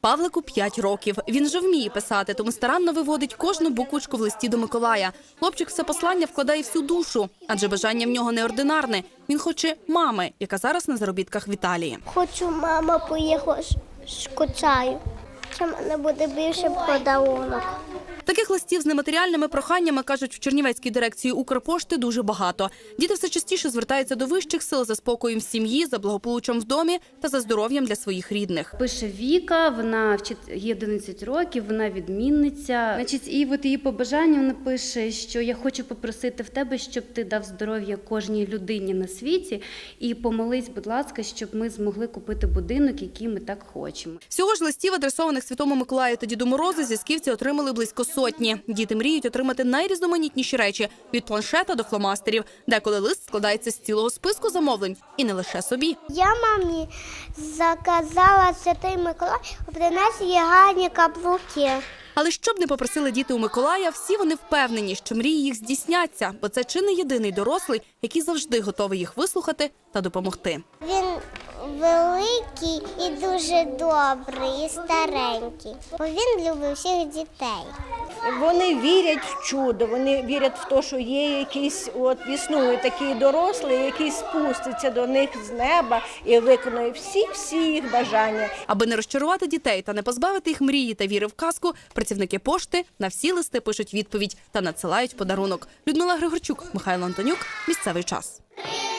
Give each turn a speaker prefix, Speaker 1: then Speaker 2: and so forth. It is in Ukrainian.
Speaker 1: Павлику 5 років. Він вже вміє писати, тому старанно виводить кожну буквочку в листі до Миколая. Хлопчик все послання вкладає всю душу, адже бажання в нього неординарне. Він хоче мами, яка зараз на заробітках в Італії.
Speaker 2: Хочу, мама, поїхала, скучаю. Це в мене буде більше подарунок.
Speaker 1: Таких листів з нематеріальними проханнями, кажуть в Чернівецькій дирекції Укрпошти, дуже багато. Діти все частіше звертаються до вищих сил за спокоєм в сім'ї, за благополуччям в домі та за здоров'ям для своїх рідних.
Speaker 3: Пише Віка, вона їй 11 років, вона відмінниця. І от її побажання вона пише, що я хочу попросити в тебе, щоб ти дав здоров'я кожній людині на світі і помолись, будь ласка, щоб ми змогли купити будинок, який ми так хочемо.
Speaker 1: Всього ж листів, адресованих Святому Миколаю та Діду Морозу, зв'язківці отримали близько сотні. Діти мріють отримати найрізноманітніші речі – від планшета до фломастерів. Деколи лист складається з цілого списку замовлень. І не лише собі.
Speaker 2: Я мамі заказала Святий Миколай, принес їй гарні каблуки.
Speaker 1: Але що б не попросили діти у Миколая, всі вони впевнені, що мрії їх здійсняться, бо це чи не єдиний дорослий, який завжди готовий їх вислухати та допомогти.
Speaker 2: Він великий і дуже добрий, і старенький, бо він любить всіх дітей.
Speaker 4: Вони вірять в чудо, вони вірять в те, що є якийсь, існує такий дорослий, який спуститься до них з неба і виконує всі їх бажання.
Speaker 1: Аби не розчарувати дітей та не позбавити їх мрії та віри в казку, працівники пошти на всі листи пишуть відповідь та надсилають подарунок. Людмила Григорчук, Михайло Антонюк. Місцевий час.